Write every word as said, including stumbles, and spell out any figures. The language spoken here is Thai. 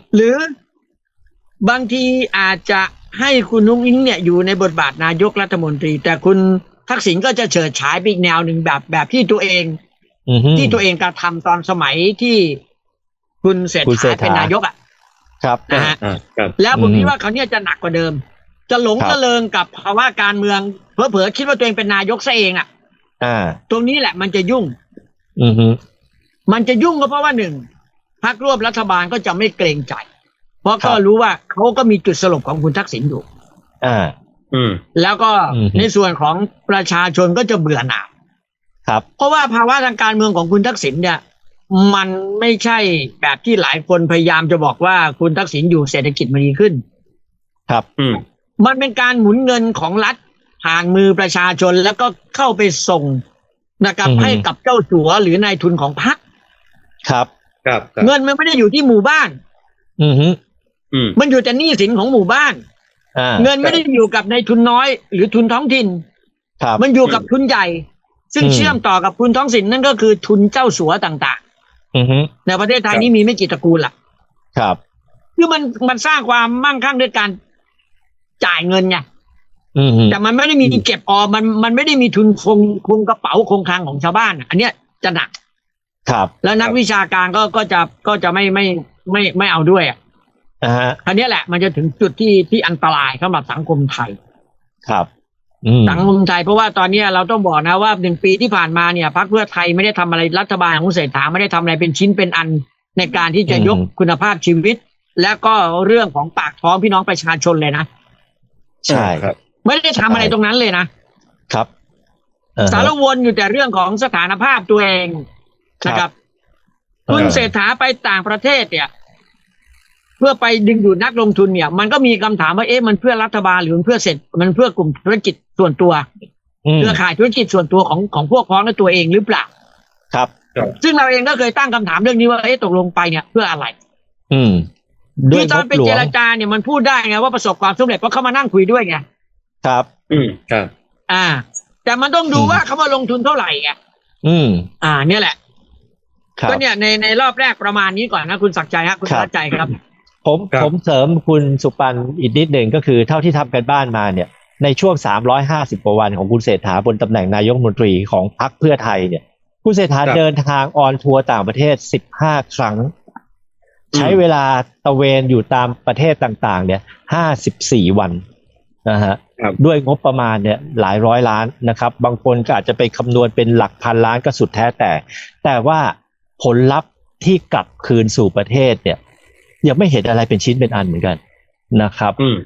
หรือบางทีอาจจะให้คุณนุ้งอิงเนี่ยอยู่ในบทบาทนายกรัฐมนตรีแต่คุณทักษิณก็จะเฉิดฉายไปอีกแนวหนึ่งแบบแบบที่ตัวเองที่ตัวเองกระทำตอนสมัยที่คุณเศรษฐาเป็นนายกอ่ะครับนะฮะแล้วผมคิดว่าเขาเนี่ยจะหนักกว่าเดิมจะหลงระเริงกับภาวะการเมืองเผลอๆคิดว่าตัวเองเป็นนายกซะเองอ่ะตรงนี้แหละมันจะยุ่งมันจะยุ่งก็เพราะว่าหนึ่งพรรคร่วมรัฐบาลก็จะไม่เกรงใจเพราะก็รู้ว่าเขาก็มีจุดสลบของคุณทักษิณอยู่อ่าอืมแล้วก็ในส่วนของประชาชนก็จะเบื่อหน่ายครับเพราะว่าภาวะทางการเมืองของคุณทักษิณเนี่ยมันไม่ใช่แบบที่หลายคนพยายามจะบอกว่าคุณทักษิณอยู่เศรษฐกิจมันดีขึ้นครับอืมมันเป็นการหมุนเงินของรัฐผ่านมือประชาชนแล้วก็เข้าไปส่งนะครับให้กับเจ้าสัวหรือนายทุนของพรรคครับครับเงินมันไม่ได้อยู่ที่หมู่บ้านอืมอืมมันอยู่แต่หนี้สินของหมู่บ้านเงินไม่ได้อยู่กับนายทุนน้อยหรือทุนท้องถิ่นมันอยู่กับทุนใหญ่ซึ่งเชื่อมต่อกับทุนท้องถิ่นนั่นก็คือทุนเจ้าสัวต่างๆในประเทศไทยนี้มีไม่กี่ตระกูลล่ะครับคือมันมันสร้างความมั่งคั่งด้วยการจ่ายเงินไงแต่มันไม่ได้มีเก็บออมมันมันไม่ได้มีทุนคงคงกระเป๋าคงคลังของชาวบ้านอันเนี้ยจะหนักครับแล้วนักวิชาการก็ก็จะก็จะไม่ไม่ไม่ไม่เอาด้วยอ่ะอ่าอันนี้แหละมันจะถึงจุดที่ที่อันตรายสำหรับสังคมไทยครับสังคมไทยเพราะว่าตอนนี้เราต้องบอกนะว่าหนึ่งปีที่ผ่านมาเนี่ยพรรคเพื่อไทยไม่ได้ทำอะไรรัฐบาลของเศรษฐาไม่ได้ทำอะไรเป็นชิ้นเป็นอันในการที่จะยกคุณภาพชีวิตและก็เรื่องของปากท้องพี่น้องประชาชนเลยนะใช่ครับไม่ได้ทำอะไรตรงนั้นเลยนะครับสารวนอยู่แต่เรื่องของสถานภาพตัวเองนะครับคุณเศรษฐาไปต่างประเทศเนี่ยเพื่อไปดึงดูดนักลงทุนเนี่ยมันก็มีคำถามว่าเอ๊ะมันเพื่อรัฐบาลหรือมันเพื่อเสร็จมันเพื่อกลุ่มธุรกิจส่วนตัวเครือข่ายธุรกิจส่วนตัวของของพวกพ้องและตัวเองหรือเปล่าครับซึ่งเราเองก็เคยตั้งคำถามเรื่องนี้ว่าเอ๊ะตกลงไปเนี่ยเพื่ออะไรอืมคือตอนไปเจรจาเนี่ยมันพูดได้ไงว่าประสบความสำเร็จเพราะเขามานั่งคุยด้วยไงครับอืมครับอ่าแต่มันต้องดูว่าเขามาลงทุนเท่าไหร่ไงอืมอ่าเนี่ยแหละก็เนี่ยในในรอบแรกประมาณนี้ก่อนนะคุณศักดิ์ใจฮะคุณศักดิ์ใจครับผมผมเสริมคุณสุปันอีกนิดหนึ่งก็คือเท่าที่ทำกันบ้านมาเนี่ยในช่วงสามร้อยห้าสิบกว่าวันของคุณเศรษฐาบนตำแหน่งนายกรัฐมนตรีของพรรคเพื่อไทยเนี่ยคุณเศรษฐาเดินทางออนทัวร์ต่างประเทศสิบห้าครั้งใช้เวลาตะเวนอยู่ตามประเทศต่างๆเนี่ยห้าสิบสี่วันนะฮะด้วยงบประมาณเนี่ยหลายร้อยล้านนะครับบางคนก็อาจจะไปคำนวณเป็นหลักพันล้านก็สุดแท้แต่แต่ว่าผลลัพธ์ที่กลับคืนสู่ประเทศเนี่ยยังไม่เห็นอะไรเป็นชิ้นเป็นอันเหมือนกันนะครับ